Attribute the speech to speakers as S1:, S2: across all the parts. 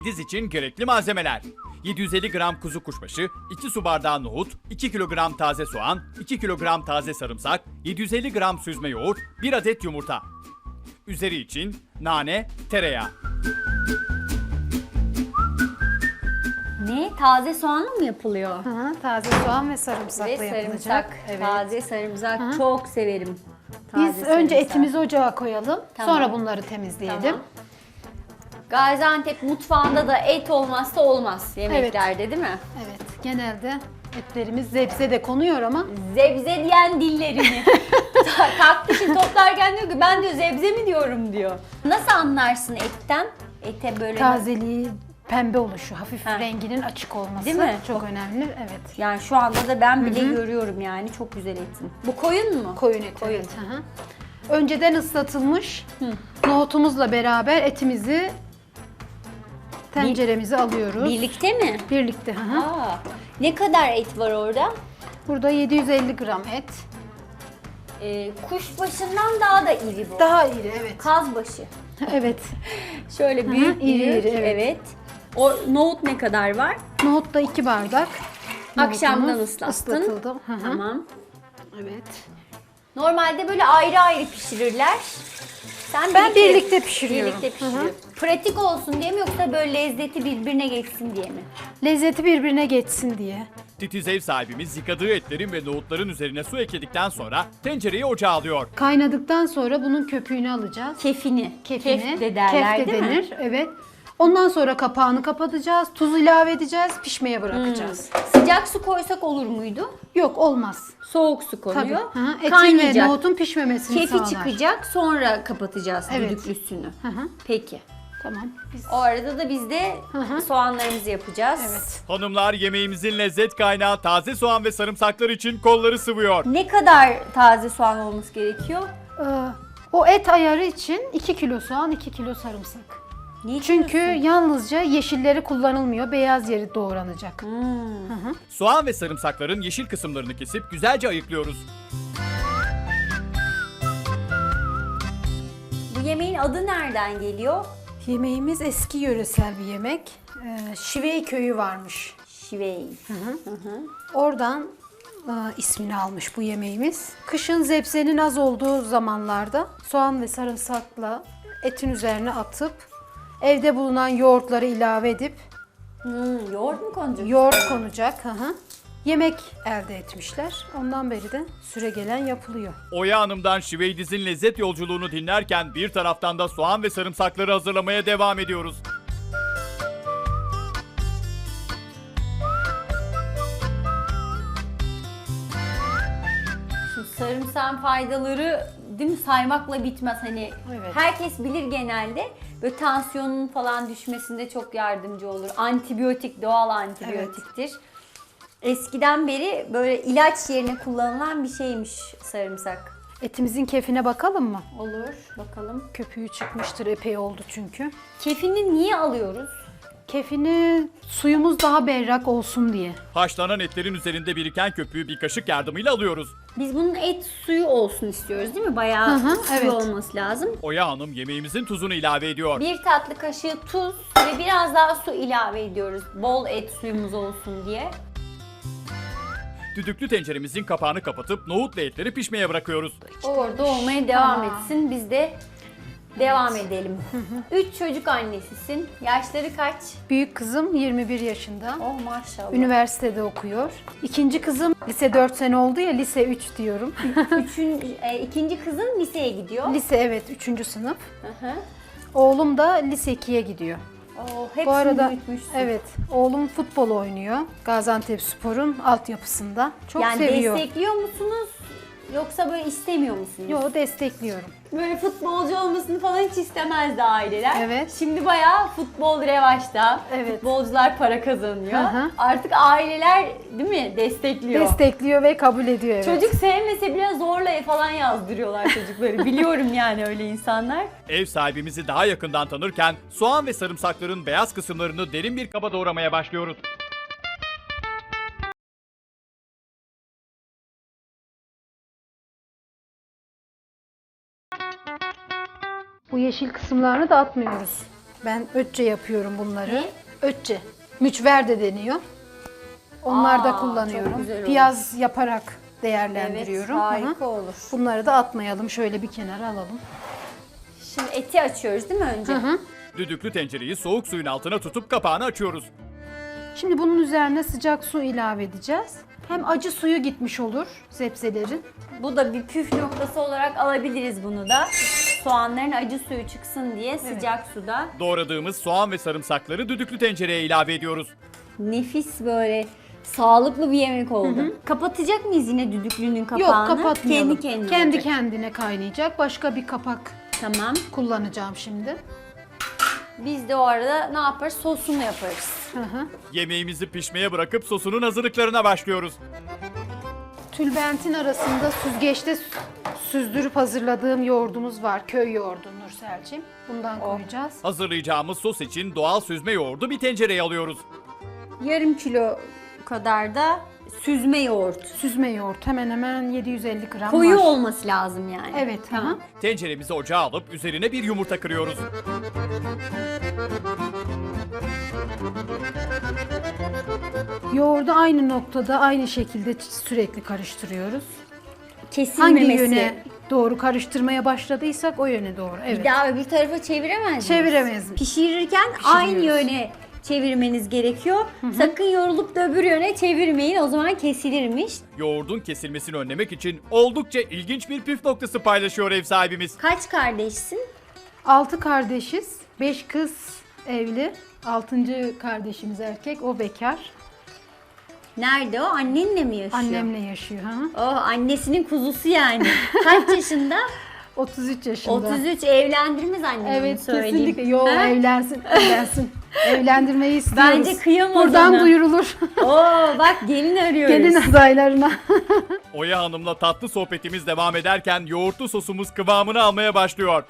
S1: Diz için gerekli malzemeler: 750 gram kuzu kuşbaşı, 2 su bardağı nohut, 2 kilogram taze soğan, 2 kilogram taze sarımsak, 750 gram süzme yoğurt, 1 adet yumurta. Üzeri için nane, tereyağı.
S2: Ne? Taze soğanla mı yapılıyor?
S3: Hı, taze soğan ve sarımsakla
S2: Ve
S3: yapılacak.
S2: sarımsak.
S3: Evet.
S2: Taze sarımsak çok severim.
S3: Biz
S2: Taze
S3: önce
S2: sarımsak.
S3: etimizi ocağa koyalım.
S2: Tamam.
S3: Sonra bunları temizleyelim.
S2: Tamam. Gaziantep mutfağında da et olmazsa olmaz yemeklerde, değil mi?
S3: Evet. Genelde etlerimiz zebze de konuyor ama
S2: Zebze diyen dillerini. Kalkmışım toplarken diyor ki ben diyor zebze mi diyorum diyor. Nasıl anlarsın etten? Ete böyle
S3: tazeliği, pembe oluşu, hafif
S2: Ha.
S3: renginin açık olması
S2: Değil mi?
S3: çok önemli. Evet.
S2: Yani şu anda da ben bile görüyorum yani çok güzel etin. Bu koyun mu?
S3: Koyun eti.
S2: Koyun.
S3: Evet. Hı hı. Önceden ıslatılmış nohutumuzla beraber etimizi tenceremize alıyoruz.
S2: Birlikte mi?
S3: Birlikte. Hı hı.
S2: Aa, ne kadar et var orada?
S3: Burada 750 gram et.
S2: Kuşbaşından daha da iri bu.
S3: Daha iri, evet.
S2: Kazbaşı.
S3: Evet.
S2: Şöyle büyük
S3: iri
S2: büyük.
S3: iri, evet.
S2: Evet. O nohut ne kadar var?
S3: Nohut da 2 bardak.
S2: Akşamdan
S3: Nohutumuz
S2: ıslattın.
S3: ıslatıldı. Hı hı.
S2: Tamam.
S3: Evet.
S2: Normalde böyle ayrı ayrı pişirirler.
S3: Ben birlikte pişiriyorum.
S2: Birlikte pişiriyorum. Pratik olsun diye mi yoksa böyle lezzeti birbirine geçsin diye mi?
S3: Lezzeti birbirine geçsin diye.
S1: Titiz ev sahibimiz yıkadığı etlerin ve nohutların üzerine su ekledikten sonra tencereyi ocağa alıyor.
S3: Kaynadıktan sonra bunun köpüğünü alacağız.
S2: Kefini.
S3: Kefini.
S2: Kef de derler
S3: Kef de
S2: değil
S3: denir.
S2: mi?
S3: Evet. Ondan sonra kapağını kapatacağız. Tuz ilave edeceğiz. Pişmeye bırakacağız.
S2: Sıcak su koysak olur muydu?
S3: Yok, olmaz.
S2: Soğuk su
S3: Tabii.
S2: konuyor.
S3: Hı hı. Etin ve
S2: Kaynayacak.
S3: nohutun pişmemesini
S2: Kefi
S3: sağlar.
S2: çıkacak sonra kapatacağız
S3: Evet.
S2: düdüklü üstünü.
S3: Hı hı.
S2: Peki.
S3: Tamam. Biz...
S2: O arada da biz de
S3: hı.
S2: soğanlarımızı yapacağız.
S3: Evet.
S1: Hanımlar yemeğimizin lezzet kaynağı taze soğan ve sarımsaklar için kolları sıvıyor.
S2: Ne kadar taze soğan olması gerekiyor?
S3: O et ayarı için 2 kilo soğan, 2 kilo sarımsak.
S2: Niye
S3: Çünkü
S2: diyorsun?
S3: yalnızca yeşilleri kullanılmıyor. Beyaz yeri doğranacak.
S1: Soğan ve sarımsakların yeşil kısımlarını kesip güzelce ayıklıyoruz.
S2: Bu yemeğin adı nereden geliyor?
S3: Yemeğimiz eski yöresel bir yemek. Şivey köyü varmış.
S2: Şivey.
S3: Oradan ismini almış bu yemeğimiz. Kışın zebzenin az olduğu zamanlarda soğan ve sarımsakla etin üzerine atıp evde bulunan yoğurtları ilave edip
S2: Yoğurt mu konacak?
S3: yoğurt konacak. Yemek elde etmişler. Ondan beri de süregelen yapılıyor.
S1: Oya Hanım'dan Şiveydiz'in lezzet yolculuğunu dinlerken bir taraftan da soğan ve sarımsakları hazırlamaya devam ediyoruz.
S2: Şimdi sarımsağın faydaları değil mi saymakla bitmez hani.
S3: Evet.
S2: Herkes bilir genelde. Böyle tansiyonun falan düşmesinde çok yardımcı olur. Antibiyotik, doğal antibiyotiktir. Eskiden beri böyle ilaç yerine kullanılan bir şeymiş sarımsak.
S3: Etimizin kefine bakalım mı?
S2: Olur, bakalım.
S3: Köpüğü çıkmıştır, epey oldu çünkü.
S2: Kefini niye alıyoruz?
S3: Kefini suyumuz daha berrak olsun diye.
S1: Haşlanan etlerin üzerinde biriken köpüğü bir kaşık yardımıyla alıyoruz.
S2: Biz bunun et suyu olsun istiyoruz değil mi? Bayağı
S3: Hı hı,
S2: suyu
S3: evet.
S2: olması lazım.
S1: Oya Hanım yemeğimizin tuzunu ilave ediyor.
S2: Bir tatlı kaşığı tuz ve biraz daha su ilave ediyoruz. Bol et suyumuz olsun diye.
S1: Düdüklü tenceremizin kapağını kapatıp nohut ve etleri pişmeye bırakıyoruz.
S2: Orada olmaya devam
S3: Tamam.
S2: etsin. Biz de devam edelim. 3 çocuk annesisin. Yaşları kaç?
S3: Büyük kızım 21 yaşında.
S2: Oh maşallah.
S3: Üniversitede okuyor. İkinci kızım lise 4 sene oldu ya, lise 3 diyorum.
S2: İkinci kızın liseye gidiyor.
S3: Lise, evet, 3. sınıf.
S2: Hı hı.
S3: Oğlum da lise 2'ye gidiyor.
S2: Oh, hepsini
S3: Bu arada
S2: büyütmüşsün.
S3: evet, oğlum futbol oynuyor. Gaziantepspor'un altyapısında. Çok
S2: Yani
S3: seviyor.
S2: destekliyor musunuz? Yoksa böyle istemiyor musunuz?
S3: Yo, destekliyorum.
S2: Böyle futbolcu olmasını falan hiç istemezdi aileler.
S3: Evet.
S2: Şimdi bayağı futbol revaçta.
S3: Evet.
S2: Futbolcular para kazanıyor.
S3: Hı hı.
S2: Artık aileler değil mi destekliyor.
S3: Destekliyor ve kabul ediyor, evet.
S2: Çocuk sevmese bile zorla falan yazdırıyorlar çocukları. Biliyorum yani öyle insanlar.
S1: Ev sahibimizi daha yakından tanırken soğan ve sarımsakların beyaz kısımlarını derin bir kaba doğramaya başlıyoruz.
S3: Bu yeşil kısımlarını da atmıyoruz. Ben ötçe yapıyorum bunları.
S2: Ne?
S3: Ötçe. Mücver de deniyor. Onlar da
S2: Aa, çok
S3: kullanıyorum.
S2: güzel olur.
S3: Piyaz yaparak
S2: Evet,
S3: değerlendiriyorum.
S2: harika
S3: Hı hı.
S2: olur.
S3: Bunları da atmayalım. Şöyle bir kenara alalım.
S2: Şimdi eti açıyoruz değil mi önce?
S3: Hı hı.
S1: Düdüklü tencereyi soğuk suyun altına tutup kapağını açıyoruz.
S3: Şimdi bunun üzerine sıcak su ilave edeceğiz. Hem acı suyu gitmiş olur zepselerin.
S2: Bu da bir püf noktası olarak alabiliriz bunu da. Soğanların acı suyu çıksın diye sıcak suda.
S1: Doğradığımız soğan ve sarımsakları düdüklü tencereye ilave ediyoruz.
S2: Nefis böyle sağlıklı bir yemek oldu. Kapatacak mıyız yine düdüklünün kapağını?
S3: Yok, kapatmayalım.
S2: Kendi kendine
S3: Kendi
S2: olacak.
S3: kendine kaynayacak. Başka bir kapak
S2: Tamam.
S3: kullanacağım şimdi.
S2: Biz de o arada ne yaparız? Sosunu yaparız.
S3: Hı hı.
S1: Yemeğimizi pişmeye bırakıp sosunun hazırlıklarına başlıyoruz.
S3: Tülbentin arasında süzgeçte süzdürüp hazırladığım yoğurdumuz var. Köy yoğurdu Nurselciğim. Bundan koyacağız.
S1: Hazırlayacağımız sos için doğal süzme yoğurdu bir tencereye alıyoruz.
S2: Yarım kilo kadar da süzme yoğurt.
S3: Süzme yoğurt hemen hemen 750 gram
S2: Koyu
S3: var.
S2: olması lazım yani.
S3: Evet,
S2: Tamam.
S1: Tenceremizi ocağa alıp üzerine bir yumurta kırıyoruz.
S3: Yoğurdu aynı noktada aynı şekilde sürekli karıştırıyoruz. Hangi
S2: Kesilmemesi.
S3: yöne doğru karıştırmaya başladıysak o yöne doğru.
S2: Bir
S3: Evet.
S2: daha öbür tarafa çeviremez miyiz?
S3: Çeviremez mi?
S2: Pişirirken aynı yöne çevirmeniz gerekiyor. Sakın yorulup da öbür yöne çevirmeyin. O zaman kesilirmiş.
S1: Yoğurdun kesilmesini önlemek için oldukça ilginç bir püf noktası paylaşıyor ev sahibimiz.
S2: Kaç kardeşsin?
S3: 6 kardeşiz. 5 kız evli. 6. kardeşimiz erkek. O bekar.
S2: Nerede o? Annenle mi yaşıyor?
S3: Annemle yaşıyor. Ha?
S2: Oh, annesinin kuzusu yani. Kaç yaşında?
S3: 33 yaşında.
S2: 33. Evlendirmez annemi
S3: Evet,
S2: söyleyeyim.
S3: kesinlikle. Yo,
S2: Ha?
S3: evlensin, evlensin. Evlendirmeyi istiyoruz.
S2: Bence kıyamaz
S3: Buradan
S2: ona.
S3: duyurulur.
S2: Oo, bak gelin arıyoruz.
S3: Gelin adaylarına.
S1: Oya Hanım'la tatlı sohbetimiz devam ederken yoğurtlu sosumuz kıvamını almaya başlıyor.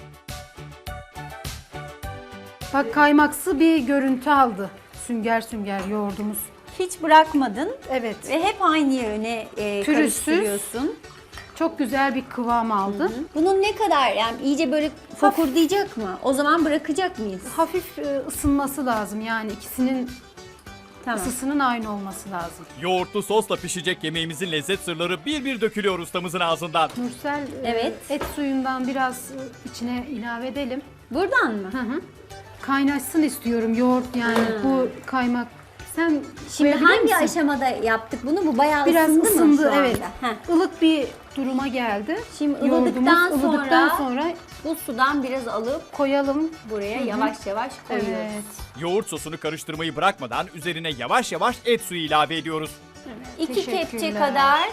S3: Bak, kaymaksı bir görüntü aldı. Sünger sünger yoğurdumuz.
S2: Hiç bırakmadın
S3: Evet.
S2: ve hep aynı yöne
S3: Pürüzsüz.
S2: karıştırıyorsun.
S3: Çok güzel bir kıvam aldı.
S2: Bunun ne kadar yani iyice böyle fokurdayacak mı? O zaman bırakacak mıyız?
S3: Hafif ısınması lazım. Yani ikisinin
S2: Tamam.
S3: ısısının aynı olması lazım.
S1: Yoğurtlu sosla pişecek yemeğimizin lezzet sırları bir bir dökülüyor ustamızın ağzından.
S3: Nursel,
S2: Evet.
S3: et suyundan biraz içine ilave edelim.
S2: Buradan mı?
S3: Kaynaşsın istiyorum yoğurt, yani bu kaymak. Sen
S2: Şimdi
S3: koyabilir
S2: hangi
S3: misin?
S2: aşamada yaptık bunu? Bu bayağı
S3: Biraz
S2: ısındı, mı
S3: ısındı,
S2: şu anda?
S3: evet.
S2: Heh.
S3: Ilık bir duruma geldi.
S2: Şimdi
S3: Yoğurdumuz
S2: ılıdıktan
S3: sonra
S2: Bu sudan biraz alıp
S3: koyalım.
S2: buraya yavaş yavaş koyuyoruz.
S3: Evet.
S1: Yoğurt sosunu karıştırmayı bırakmadan üzerine yavaş yavaş et suyu ilave ediyoruz.
S2: 2
S3: Teşekkürler.
S2: kepçe kadar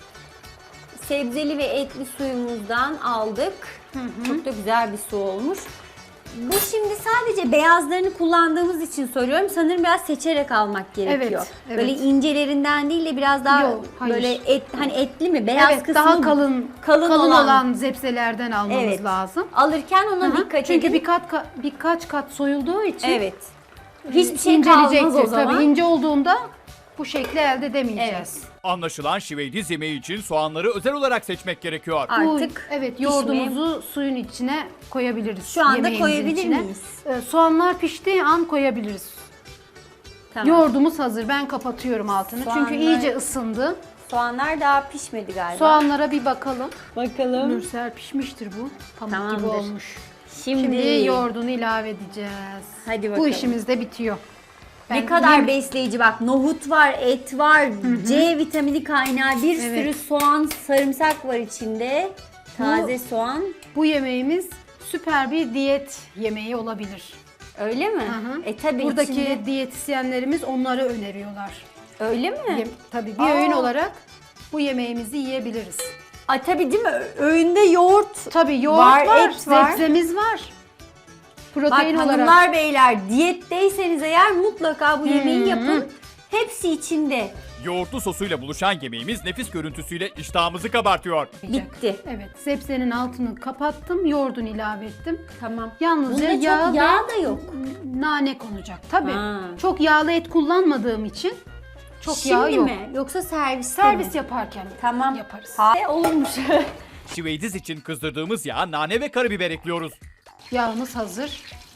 S2: sebzeli ve etli suyumuzdan aldık. Çok da güzel bir su olmuş. Bu şimdi sadece beyazlarını kullandığımız için soruyorum. Sanırım biraz seçerek almak gerekiyor.
S3: Evet.
S2: Böyle incelerinden değil de biraz daha
S3: Yok, hayır.
S2: böyle hani etli mi? Beyaz
S3: Evet,
S2: kısmı
S3: daha kalın
S2: kalın
S3: olan,
S2: olan.
S3: zepselerden almamız
S2: Evet.
S3: lazım.
S2: Alırken ona
S3: Hı hı.
S2: dikkat
S3: Çünkü
S2: edin.
S3: birkaç kat soyulduğu için
S2: Evet. Hiçbir şey kalmaz o zaman.
S3: Tabii ince olduğunda bu şekli elde edemeyeceğiz.
S1: Anlaşılan şiveydiz yemeği için soğanları özel olarak seçmek gerekiyor.
S2: Artık
S3: Evet, yoğurdumuzu suyun içine koyabiliriz.
S2: Şu anda
S3: yemeğimizin
S2: koyabilir
S3: içine.
S2: miyiz?
S3: Soğanlar piştiği an koyabiliriz.
S2: Tamam.
S3: Yoğurdumuz hazır. Ben kapatıyorum altını.
S2: Soğanlar-
S3: Çünkü iyice ısındı.
S2: Soğanlar daha pişmedi galiba.
S3: Soğanlara bir bakalım.
S2: Bakalım.
S3: Nursel, pişmiştir bu. Pamuk gibi
S2: Tamamdır.
S3: olmuş.
S2: Şimdi,
S3: Şimdi yoğurdunu ilave edeceğiz.
S2: Hadi bakalım.
S3: Bu işimiz de bitiyor.
S2: ne
S3: Ben
S2: kadar
S3: yem-
S2: besleyici bak. Nohut var, et var, C vitamini kaynağı, bir
S3: Evet.
S2: sürü soğan, sarımsak var içinde. Taze soğan.
S3: Bu yemeğimiz süper bir diyet yemeği olabilir.
S2: Öyle mi?
S3: Hı.
S2: Tabii
S3: Buradaki
S2: içinde.
S3: diyetisyenlerimiz onları öneriyorlar.
S2: Öyle mi?
S3: Tabii bir öğün olarak bu yemeğimizi yiyebiliriz.
S2: Tabii değil mi? Öğünde yoğurt.
S3: Tabii yoğurt
S2: Var,
S3: var,
S2: et var.
S3: sebzemiz var.
S2: Bak
S3: Protein olarak.
S2: hanımlar beyler diyetteyseniz eğer mutlaka bu yemeği yapın. Hepsi içinde.
S1: Yoğurtlu sosuyla buluşan yemeğimiz nefis görüntüsüyle iştahımızı kabartıyor.
S2: Bitti.
S3: Evet, sebzenin altını kapattım, yoğurdunu ilave ettim.
S2: Tamam.
S3: Yalnızca
S2: Bunda
S3: yağ,
S2: çok yağ da yok.
S3: nane konacak. Tabii.
S2: Ha.
S3: Çok yağlı et kullanmadığım için çok yağ
S2: Şimdi
S3: yok.
S2: mi? Yoksa serviste
S3: Servis
S2: mi?
S3: yaparken
S2: Tamam.
S3: yaparız.
S2: Olurmuş.
S1: Şiveydiz için kızdırdığımız yağa nane ve karabiber ekliyoruz.
S3: Yağımız hazır.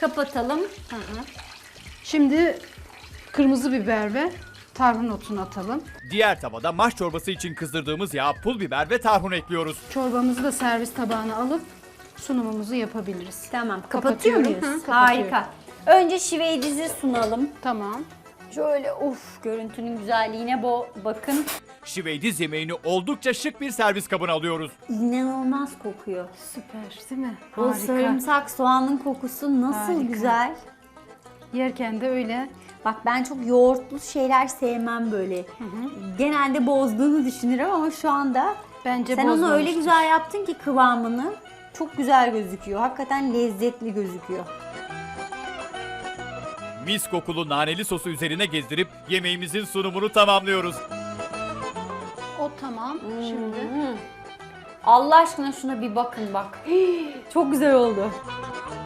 S2: Kapatalım.
S3: Şimdi kırmızı biber ve tarhun otunu atalım.
S1: Diğer tavada maş çorbası için kızdırdığımız yağa pul biber ve tarhun ekliyoruz.
S3: Çorbamızı da servis tabağına alıp sunumumuzu yapabiliriz.
S2: Tamam. Kapatıyor
S3: Kapatıyorum.
S2: muyuz?
S3: Hı, kapatıyorum.
S2: Harika. Önce şiveydizi sunalım.
S3: Tamam.
S2: Şöyle görüntünün güzelliğine bakın.
S1: Şiveydiz yemeğini oldukça şık bir servis kabına alıyoruz.
S2: İnanılmaz kokuyor.
S3: Süper değil mi?
S2: O
S3: Harika.
S2: sarımsak soğanın kokusu nasıl
S3: Harika.
S2: güzel.
S3: Yerken de öyle.
S2: Bak ben çok yoğurtlu şeyler sevmem böyle. Genelde bozduğunu düşünürüm ama şu anda
S3: Bence
S2: sen onu öyle
S3: bozmamıştır.
S2: güzel yaptın ki kıvamını çok güzel gözüküyor. Hakikaten lezzetli gözüküyor.
S1: Mis kokulu naneli sosu üzerine gezdirip yemeğimizin sunumunu tamamlıyoruz.
S3: O tamam. Şimdi
S2: Allah aşkına şuna bir bakın bak. Çok güzel oldu.